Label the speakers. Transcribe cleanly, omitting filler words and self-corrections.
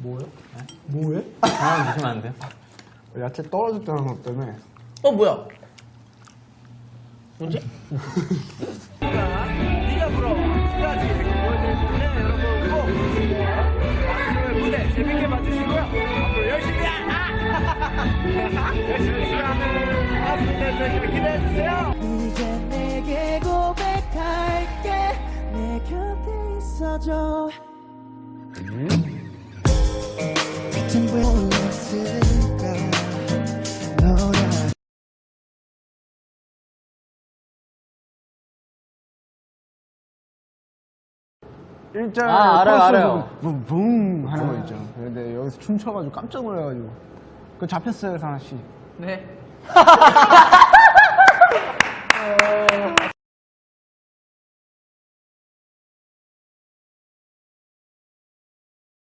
Speaker 1: 뭐요?
Speaker 2: 뭐해?
Speaker 3: 아, 드시면 안 돼요?
Speaker 2: 야채 떨어졌다는 것 때문에.
Speaker 1: 뭐야? 뭐지? 네가 불어 끝까지 보여드릴 텐데 여러분 꼭 마스터의 무대 재밌게 봐주시고요. 앞으로 열심히 열심히 하는 마스터들 기대해주세요.
Speaker 4: 이제 내게 고백할게 내 곁에 있어줘 같은 불렀을까 너라
Speaker 2: 일절
Speaker 3: 알아요.
Speaker 2: 붕 하는 거 있죠. 근데 여기서 춤춰가지고 깜짝 놀라가지고 그거 잡혔어요, 상아 씨.
Speaker 1: 네.